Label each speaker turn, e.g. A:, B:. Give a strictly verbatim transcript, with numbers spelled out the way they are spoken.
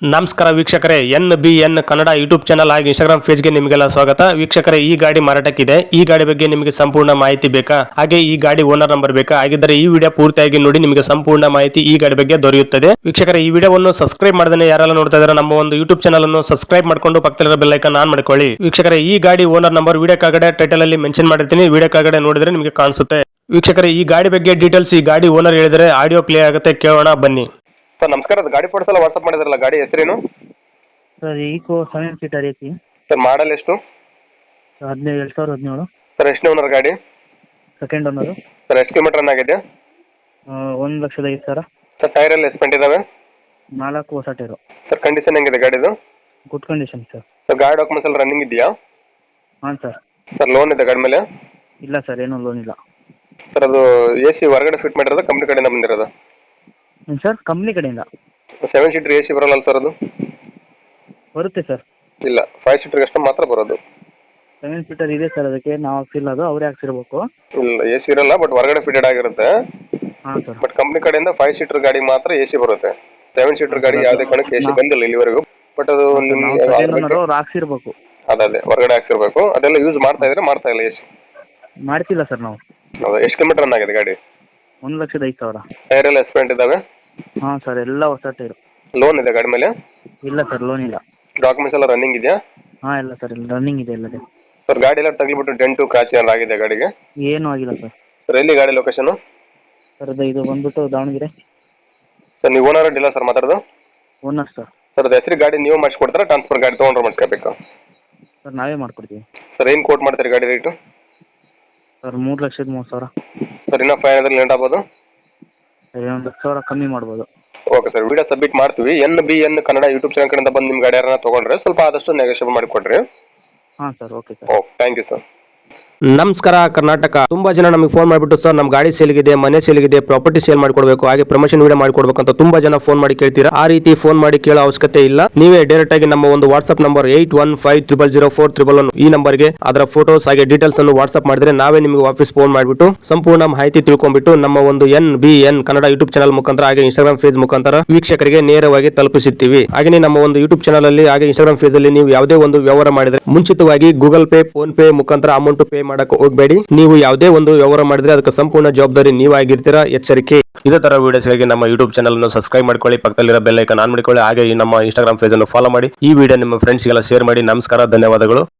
A: ನಮಸ್ಕಾರ ವೀಕ್ಷಕರೇ, N B N Kannada YouTube channel ಹಾಗೂ ಇನ್ಸ್ಟಾಗ್ರಾಮ್ ಪೇಜ್ಗೆ ನಿಮಗೆಲ್ಲ ಸ್ವಾಗತ. ವೀಕ್ಷಕರೇ, ಈ ಗಾಡಿ ಮಾರಾಟಕ್ಕಿದೆ. ಈ ಗಾಡಿ ಬಗ್ಗೆ ನಿಮಗೆ ಸಂಪೂರ್ಣ ಮಾಹಿತಿ ಬೇಕಾ, ಹಾಗೆ ಈ ಗಾಡಿ ಓನರ್ ನಂಬರ್ ಬೇಕಾ? ಹಾಗಿದ್ದರೆ ಈ ವಿಡಿಯೋ ಪೂರ್ತಿಯಾಗಿ ನೋಡಿ, ನಿಮಗೆ ಸಂಪೂರ್ಣ ಮಾಹಿತಿ ಈ ಗಾಡಿ ಬಗ್ಗೆ ದೊರೆಯುತ್ತದೆ. ವೀಕ್ಷಕರೇ, ಈ ವಿಡಿಯೋವನ್ನು ಸಬ್ಸ್ಕ್ರೈಬ್ ಮಾಡದೇ ಯಾರೆಲ್ಲ ನೋಡ್ತಾ ಇದ್ದಾರೆ ನಮ್ಮ ಒಂದು ಯೂಟ್ಯೂಬ್ ಚಾನಲ್ ಅನ್ನು ಸಬ್ಸ್ಕ್ರೈಬ್ ಮಾಡ್ಕೊಂಡು ಪಕ್ಕದಲ್ಲಿರೋ ಬೆಲ್ ಐಕಾನ್ ಆನ್ ಮಾಡ್ಕೊಳ್ಳಿ. ವೀಕ್ಷಕರೇ, ಈ ಗಾಡಿ ಓನರ್ ನಂಬರ್ ವಿಡಿಯೋ ಕೆಳಗಡೆ ಟೈಟಲ್ ಅಲ್ಲಿ ಮೆನ್ಷನ್ ಮಾಡಿರ್ತೀನಿ, ವಿಡಿಯೋ ಕೆಳಗಡೆ ನೋಡಿದ್ರೆ ನಿಮಗೆ ಕಾಣಿಸುತ್ತೆ. ವೀಕ್ಷಕರೇ, ಈ ಗಾಡಿ ಬಗ್ಗೆ ಡೀಟೇಲ್ಸ್ ಈ ಗಾಡಿ ಓನರ್ ಹೇಳಿದರೆ ಆಡಿಯೋ ಪ್ಲೇ ಆಗುತ್ತೆ, ಕೇಳೋಣ ಬನ್ನಿ.
B: ಸರ್ ನಮಸ್ಕಾರ, ಅದು ಗಾಡಿ ಫೋಟೋಸ್ ಎಲ್ಲ ವಾಟ್ಸಪ್ ಮಾಡಿದ್ರಲ್ಲ, ಗಾಡಿ ಹೆಸರೇನು?
C: Sir Eeco seven seater A C.
B: Sir model ಎಷ್ಟು?
C: ಹದಿನೈದು ಎರಡು ಸಾವಿರದ ಹದಿನೇಳು.
B: ಸರ್ ಎಷ್ಟನೇ ಓನರ್ ಗಾಡಿ?
C: Second owner.
B: ಸರ್ ಎಷ್ಟು ಕಿಲೋಮೀಟರ್ ರನ್ ಆಗಿದೆ?
C: ಒಂದು ಲಕ್ಷದ ಐದು ಸಾವಿರ.
B: ಸರ್ ಟೈರ್ ಎಲ್ಲ ಎಸ್ಪೆಂಟ್ ಇದಾವೆ?
C: ನಾಲ್ಕು ಹೊಸ ಟೈರು.
B: ಸರ್ ಕಂಡೀಷನ್ ಹೆಂಗಿದೆ ಗಾಡಿದು?
C: Good condition sir.
B: ಸರ್ ಗಾಡಿ ಡಾಕ್ಯುಮೆಂಟ್ಸ್ ಎಲ್ಲ ರನ್ನಿಂಗ್ ಇದೆಯಾ?
C: ಹಾಂ ಸರ್.
B: ಸರ್ ಲೋನ್ ಇದೆ ಗಾಡಿ ಮೇಲೆ?
C: ಇಲ್ಲ ಸರ್, ಏನೂ ಲೋನ್ ಇಲ್ಲ.
B: ಸರ್ ಅದು ಎ ಸಿ ಹೊರಗಡೆ ಫಿಟ್ ಮಾಡಿರೋದು, ಕಂಪ್ನಿ ಕಡೆಯಿಂದ ಬಂದಿರೋದು?
C: ಹ್ಞೂ ಸರ್, ಕಂಪ್ನಿ ಕಡೆಯಿಂದ.
B: ಸೆವೆನ್ ಸೀಟರ್ ಎ ಸಿ ಬರೋಲ್ಲ ಸರ್ ಅದು?
C: ಬರುತ್ತೆ ಸರ್.
B: ಇಲ್ಲ, ಫೈವ್ ಸೀಟರ್ಗೆ ಅಷ್ಟು ಮಾತ್ರ ಬರೋದು.
C: ಸೆವೆನ್ ಸೀಟರ್ ಇದೆ ಸರ್, ಅದಕ್ಕೆ ನಾವು ಹಾಕ್ಸಿಲ್ಲ, ಅದು ಅವರೇ ಹಾಕ್ಸಿರ್ಬೇಕು.
B: ಇಲ್ಲ, ಎ ಸಿ ಇರಲ್ಲ, ಬಟ್ ಹೊರಗಡೆ ಫಿಟೆಡ್ ಆಗಿರುತ್ತೆ.
C: ಹಾಂ ಸರ್.
B: ಬಟ್ ಕಂಪ್ನಿ ಕಡೆಯಿಂದ ಫೈವ್ ಸೀಟರ್ ಗಾಡಿ ಮಾತ್ರ ಎ ಸಿ ಬರುತ್ತೆ. ಸೆವೆನ್ ಸೀಟರ್ ಗಾಡಿ ಯಾವುದೇ ಕಾರಣಕ್ಕೆ ಎ ಸಿ ಬಂದಿಲ್ಲ ಇಲ್ಲಿವರೆಗೂ. ಬಟ್ ಅದು
C: ನಿಮ್ಗೆ ಅವ್ರು ಹಾಕ್ಸಿರ್ಬೇಕು.
B: ಅದೇ ಹೊರಗಡೆ ಹಾಕ್ಸಿರ್ಬೇಕು. ಅದೆಲ್ಲ ಯೂಸ್ ಮಾಡ್ತಾ ಇದ್ರೆ ಮಾಡ್ತಾ ಇಲ್ಲ ಎ ಸಿ?
C: ಮಾಡ್ತಿಲ್ಲ ಸರ್ ನಾವು.
B: ಹೌದಾ, ಎಷ್ಟು ಕಿಲೋಮೀಟರ್ ರನ್ ಆಗಿದೆ ಗಾಡಿ?
C: ಒಂದು ಲಕ್ಷದ ಐದು ಸಾವಿರ.
B: ಟೈರ್ ಎಲ್ಲ ಎಸ್ಪೆಂಟ್ ಇದಾವೆ?
C: ಹಾಂ ಸರ್, ಎಲ್ಲ ಹೊಸ ಟೈರು.
B: ಲೋನ್ ಇದೆ ಗಾಡಿ ಮೇಲೆ?
C: ಇಲ್ಲ ಸರ್, ಲೋನ್ ಇಲ್ಲ.
B: ಡಾಕ್ಯುಮೆಂಟ್ಸ್ ಎಲ್ಲ ರನ್ನಿಂಗ್ ಇದೆಯಾ?
C: ಹಾಂ ಇಲ್ಲ ಸರ್, ರನ್ನಿಂಗ್ ಇದೆ ಎಲ್ಲದೇ.
B: ಸರ್ ಗಾಡಿ ಎಲ್ಲ ತಗ್ಲಿಬಿಟ್ಟು ಡೆಂಟು ಕ್ರಾಚ್ ಏನಾರು ಆಗಿದೆ ಗಾಡಿಗೆ?
C: ಏನೂ ಆಗಿಲ್ಲ ಸರ್.
B: ಸರ್ ಎಲ್ಲಿ ಗಾಡಿ ಲೊಕೇಶನು?
C: ಸರ್ ಅದು ಇದು ಬಂದ್ಬಿಟ್ಟು ದಾವಣಗೆರೆ.
B: ಸರ್ ನೀವು ಓನರ್ ಅಡ್ಡಿಲ್ಲ ಸರ್ ಮಾತಾಡೋದು?
C: Owner sir.
B: ಸರ್ ಅದು ಹೆಸರು ಗಾಡಿ ನೀವು ಮಾಡಿಸ್ಕೊಡ್ತಾರೆ, ಟ್ರಾನ್ಸ್ಫರ್ ಗಾಡಿ ತೊಗೊಂಡ್ರೆ ಮಾಡಿಸ್ಕೋಬೇಕು?
C: ಸರ್ ನಾವೇ ಮಾಡ್ಕೊಡ್ತೀವಿ.
B: ಸರ್ ಏನು ಕೋಟ್ ಮಾಡ್ತೀರಿ ಗಾಡಿ ರೇಟು?
C: ಸರ್ ಮೂರು ಲಕ್ಷದ ಮೂವತ್ತು ಸಾವಿರ.
B: ಸರ್ ಇನ್ನೂ ಫೈವ್ ಹಂಡ್ರೆಡ್ ಲೇಟ್ ಆಗ್ಬೋದು?
C: ಸರ್ ಒಂದು ಹತ್ತು ಸಾವಿರ ಕಮ್ಮಿ ಮಾಡ್ಬೋದು.
B: ಓಕೆ ಸರ್, ವಿಡಿಯೋ ಸಬ್ಮಿಟ್ ಮಾಡ್ತೀವಿ. N B N Kannada YouTube channel ಕಡೆಯಿಂದ ಬಂದು ನಿಮ್ಮ ಗಾಡಿ ಯಾರನ್ನ ತೊಗೊಂಡ್ರೆ ಸ್ವಲ್ಪ ಆದಷ್ಟು ನೆಗೋಷಿಯೇಟ್ ಮಾಡಿಕೊಡ್ರಿ.
C: ಹಾಂ sir, okay sir.
B: Okay, thank you sir.
A: ನಮಸ್ಕಾರ ಕರ್ನಾಟಕ. ತುಂಬಾ ಜನ ನಮಗೆ ಫೋನ್ ಮಾಡಿಬಿಟ್ಟು ಸರ್ ನಮ್ಮ ಗಾಡಿ ಸೇಲ್ಗಿದೆ, ಮನೆ ಸೇಲ್ಗಿದೆ, ಪ್ರಾಪರ್ಟಿ ಸೇಲ್ ಮಾಡ್ಕೊಡ್ಬೇಕು, ಹಾಗೆ ಪ್ರಮೋಷನ್ ವಿಡಿಯೋ ಮಾಡ್ಕೊಡ್ಬೇಕು ಅಂತ ತುಂಬಾ ಜನ ಫೋನ್ ಮಾಡಿ ಕೇಳ್ತೀರಾ. ಆ ರೀತಿ ಫೋನ್ ಮಾಡಿ ಕೇಳೋ ಅವಶ್ಯಕತೆ ಇಲ್ಲ. ನೀವೇ ಡೈರೆಕ್ಟ್ ಆಗಿ ನಮ್ಮ ಒಂದು WhatsApp number eight one five triple zero four triple one ಈ ನಂಬರ್ಗೆ ಅದರ ಫೋಟೋಸ್ ಹಾಗೆ ಡೀಟೇಲ್ಸ್ ಅನ್ನು ವಾಟ್ಸ್ಆಪ್ ಮಾಡಿದ್ರೆ ನಾವೇ ನಿಮಗೆ ವಾಪಸ್ ಫೋನ್ ಮಾಡಿಬಿಟ್ಟು ಸಂಪೂರ್ಣ ಮಾಹಿತಿ ತಿಳ್ಕೊಂಡ್ಬಿಟ್ಟು ನಮ್ಮ ಒಂದು N B N Kannada YouTube channel ಮುಖಾಂತರ ಹಾಗೆ ಇನ್ಸ್ಟಾಗ್ರಾಮ್ ಪೇಜ್ ಮುಖಾಂತರ ವೀಕ್ಷಕರಿಗೆ ನೇರವಾಗಿ ತಲುಪಿಸುತ್ತೀವಿ. ಹಾಗೆ ನಮ್ಮ ಒಂದು ಯೂಟ್ಯೂಬ್ ಚಾನಲ್ ಅಲ್ಲಿ ಹಾಗೆ ಇನ್ಸ್ಟಾಗ್ರಾಮ್ ಪೇಜ್ ಅಲ್ಲಿ ನೀವು ಯಾವುದೇ ಒಂದು ವ್ಯವಹಾರ ಮಾಡಿದ್ರೆ ಮುಂಚಿತವಾಗಿ ಗೂಗಲ್ ಪೇ, ಫೋನ್ ಪೇ ಮುಖಾಂತರ ಅಮೌಂಟ್ ಪೇ ಮಾಡಕ್ಕೆ ಹೋಗಬೇಡಿ. ನೀವು ಯಾವುದೇ ಒಂದು ವ್ಯವಹಾರ ಮಾಡಿದ್ರೆ ಅದಕ್ಕೆ ಸಂಪೂರ್ಣ ಜವಾಬ್ದಾರಿ ನೀವಾಗಿರ್ತೀರಾ, ಎಚ್ಚರಿಕೆ. ಇದೇ ತರ ವಿಡಿಯೋಸ್ಗಾಗಿ ನಮ್ಮ ಯೂಟ್ಯೂಬ್ ಚಾನಲ್ ಅನ್ನು ಸಬ್ಸ್ಕ್ರೈಬ್ ಮಾಡ್ಕೊಳ್ಳಿ, ಪಕ್ಕದಲ್ಲಿರೋ ಬೆಲ್ ಐಕಾನ್ ಆನ್ ಮಾಡಿಕೊಳ್ಳಿ, ಹಾಗೆ ನಮ್ಮ ಇನ್ಸ್ಟಾಗ್ರಾಮ್ ಪೇಜ್ ಅನ್ನು ಫಾಲೋ ಮಾಡಿ. ಈ ವಿಡಿಯೋ ನಿಮ್ಮ ಫ್ರೆಂಡ್ಸ್ಗೆಲ್ಲ ಶೇರ್ ಮಾಡಿ. ನಮಸ್ಕಾರ, ಧನ್ಯವಾದಗಳು.